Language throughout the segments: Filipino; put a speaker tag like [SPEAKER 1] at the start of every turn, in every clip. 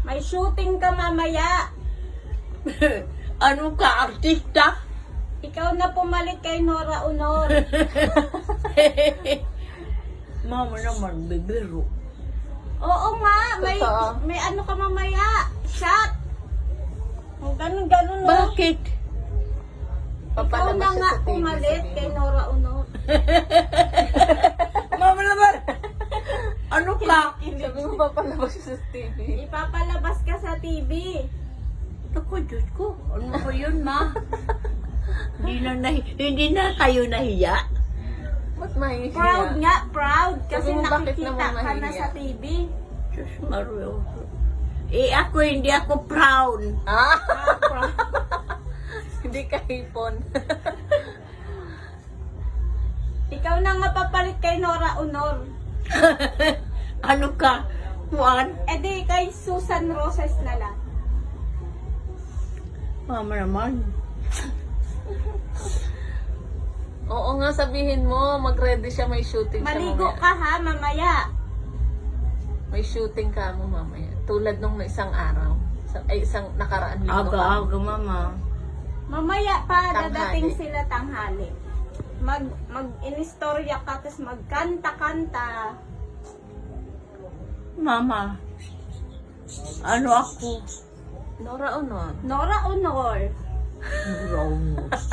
[SPEAKER 1] May shooting ka mamaya.
[SPEAKER 2] Ano ka, artista?
[SPEAKER 1] Ikaw na pumalit kay Nora Honor.
[SPEAKER 2] Mama naman, bibiro.
[SPEAKER 1] Oo nga,
[SPEAKER 3] Totoo.
[SPEAKER 1] may ano ka mamaya. Shot. Ganun no.
[SPEAKER 2] Bakit?
[SPEAKER 1] Ikaw
[SPEAKER 3] Papalabas
[SPEAKER 1] na
[SPEAKER 3] siya
[SPEAKER 1] nga
[SPEAKER 3] sa TV,
[SPEAKER 1] pumalit
[SPEAKER 3] sabihin
[SPEAKER 1] kay
[SPEAKER 3] mo.
[SPEAKER 1] Nora Honor.
[SPEAKER 2] Mama naman! Ano ka?
[SPEAKER 3] Sabi mo papalabas siya sa TV.
[SPEAKER 1] Ipapalabas ka sa TV.
[SPEAKER 2] Ako, Diyos ko. Ano ba yun, ma? Hindi na kayo nahiya.
[SPEAKER 3] Ba't mahihiya?
[SPEAKER 1] Proud nga, proud. Kasi
[SPEAKER 3] Sabi mo, bakit
[SPEAKER 1] nakikita
[SPEAKER 3] naman
[SPEAKER 1] ka na
[SPEAKER 3] mahiya?
[SPEAKER 1] sa TV.
[SPEAKER 2] Diyos Mario. Ako, hindi ako proud.
[SPEAKER 3] Ah!
[SPEAKER 1] Ah, proud.
[SPEAKER 3] Hindi ka hipon.
[SPEAKER 1] Ikaw na nga papalit kay Nora Honor.
[SPEAKER 2] Ano ka? Juan?
[SPEAKER 1] E di kay Susan Roses na lang.
[SPEAKER 2] Mama naman.
[SPEAKER 3] Oo nga, sabihin mo, mag-ready siya, may shooting siya
[SPEAKER 1] Maligo
[SPEAKER 3] mamaya.
[SPEAKER 1] ka ha, mamaya.
[SPEAKER 3] May shooting ka mo mamaya. Tulad nung isang araw. Isang nakaraan linggo.
[SPEAKER 2] Aga-aga, mama.
[SPEAKER 1] Mamaya pa,
[SPEAKER 3] Tanghali.
[SPEAKER 1] dadating sila tanghali. Mag-inistorya ka, tapos magkanta-kanta.
[SPEAKER 2] Mama. Ano ako?
[SPEAKER 3] Nora Honor.
[SPEAKER 1] Nora Honor.
[SPEAKER 2] Wrong.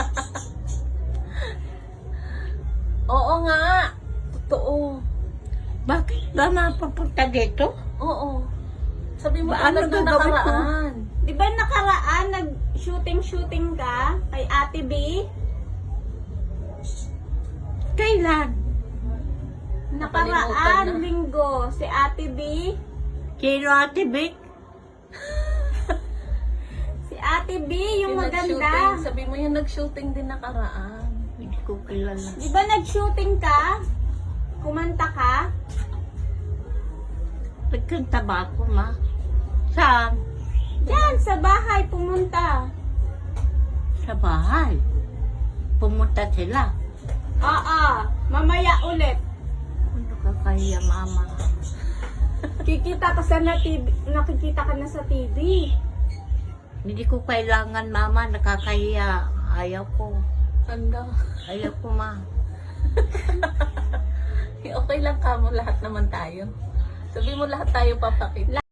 [SPEAKER 3] Oo nga. Totoo.
[SPEAKER 2] Bakit ba mapapunta dito?
[SPEAKER 3] Oo. Sabi mo,
[SPEAKER 2] Ba, ano
[SPEAKER 3] tulad nung
[SPEAKER 2] gagawin ko?
[SPEAKER 3] nakaraan.
[SPEAKER 1] Di ba nakaraan, nag-shooting ka kay Ate B?
[SPEAKER 2] Kailan?
[SPEAKER 1] Nakaraan,
[SPEAKER 3] Nakalimutan na.
[SPEAKER 1] linggo, si Ate B.
[SPEAKER 2] Sino Ate Vic?
[SPEAKER 1] Si Ate B, yung
[SPEAKER 3] nag-shooting.
[SPEAKER 1] maganda.
[SPEAKER 3] Sabi mo yung nag-shooting din nakaraan.
[SPEAKER 2] Hindi ko kilala.
[SPEAKER 1] Di ba nag-shooting ka? Kumanta ka?
[SPEAKER 2] Nagkanta ba ako, ma? Saan?
[SPEAKER 1] Yan, sa bahay pumunta.
[SPEAKER 2] Sa bahay. Pumunta sila.
[SPEAKER 1] Oo, mamaya ulit.
[SPEAKER 2] Ano ka kaya, mama?
[SPEAKER 1] Kikita ka sa TV, nakikita ka na sa TV.
[SPEAKER 2] Hindi ko kailangan, mama. Nakakahiya. Ayaw ko.
[SPEAKER 3] Handa.
[SPEAKER 2] Ayaw ko, ma.
[SPEAKER 3] Okay lang ka mo, lahat naman tayo. Sabi mo lahat tayo papakita.